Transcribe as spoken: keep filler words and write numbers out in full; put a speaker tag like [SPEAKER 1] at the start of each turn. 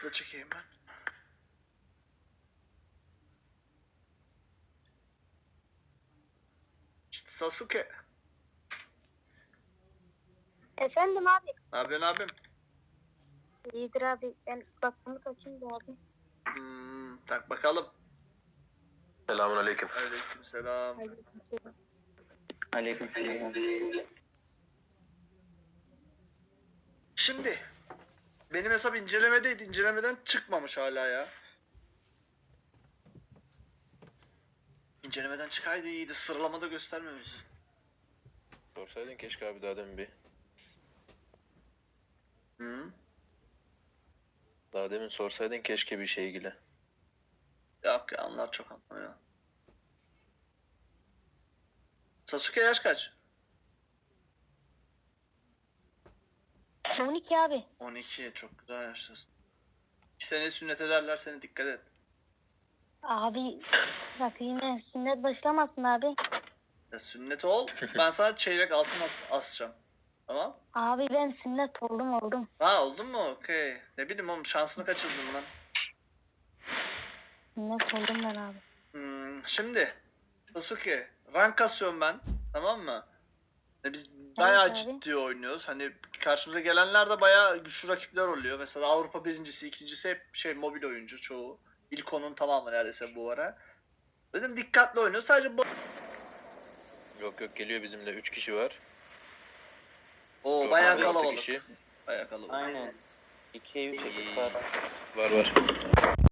[SPEAKER 1] da çekeyim ben. İşte Sasuke.
[SPEAKER 2] Efendim abi.
[SPEAKER 1] Ne yapıyorsun abim?
[SPEAKER 2] İyidir abi. Ben kulaklığımı takayım da abi.
[SPEAKER 1] Hmm, tak bakalım.
[SPEAKER 3] Selamun aleyküm.
[SPEAKER 1] Aleykümselam.
[SPEAKER 2] Aleykümselam.
[SPEAKER 3] Aleyküm.
[SPEAKER 1] Şimdi benim hesap incelemedeydi. İncelemeden çıkmamış hala ya. İncelemeden çıkaydı iyiydi. Sıralamada göstermemiş.
[SPEAKER 3] Sorsaydın keşke abi daha demin bir.
[SPEAKER 1] Hı?
[SPEAKER 3] Daha demin sorsaydın keşke bir şey ilgili.
[SPEAKER 1] Yok ya, onlar çok anlamıyor. Sasuke yaş kaç?
[SPEAKER 2] on iki abi.
[SPEAKER 1] on iki, çok güzel yaştasın. İki sene sünnet ederler seni, dikkat et.
[SPEAKER 2] Abi bak yine sünnet başlamasın abi.
[SPEAKER 1] Ya sünnet ol, ben sana çeyrek altın as- asacağım. Tamam?
[SPEAKER 2] Abi ben sünnet oldum oldum.
[SPEAKER 1] Ha, oldun mu? Okey. Ne bileyim oğlum, şansını kaçırdım lan.
[SPEAKER 2] Sünnet oldum ben abi.
[SPEAKER 1] Hmm, şimdi Sasuke, rank kasıyorum ben, tamam mı? Ya biz bayağı
[SPEAKER 2] abi.
[SPEAKER 1] ciddi oynuyoruz. Hani karşımıza gelenler de bayağı güçlü rakipler oluyor. Mesela Avrupa birincisi, ikincisi hep şey mobil oyuncu çoğu. İlk onun tamamı neredeyse bu ara. Dedim dikkatli oynuyor. Sadece bu...
[SPEAKER 3] Yok yok geliyor bizimle üç kişi var.
[SPEAKER 1] Oo,
[SPEAKER 3] Yok
[SPEAKER 1] bayağı
[SPEAKER 3] abi, altı
[SPEAKER 1] kalabalık.
[SPEAKER 3] kişi.
[SPEAKER 1] Bayağı kalabalık.
[SPEAKER 4] Aynen. İkiye üç
[SPEAKER 3] İyi.
[SPEAKER 4] ekip var.
[SPEAKER 3] Var var.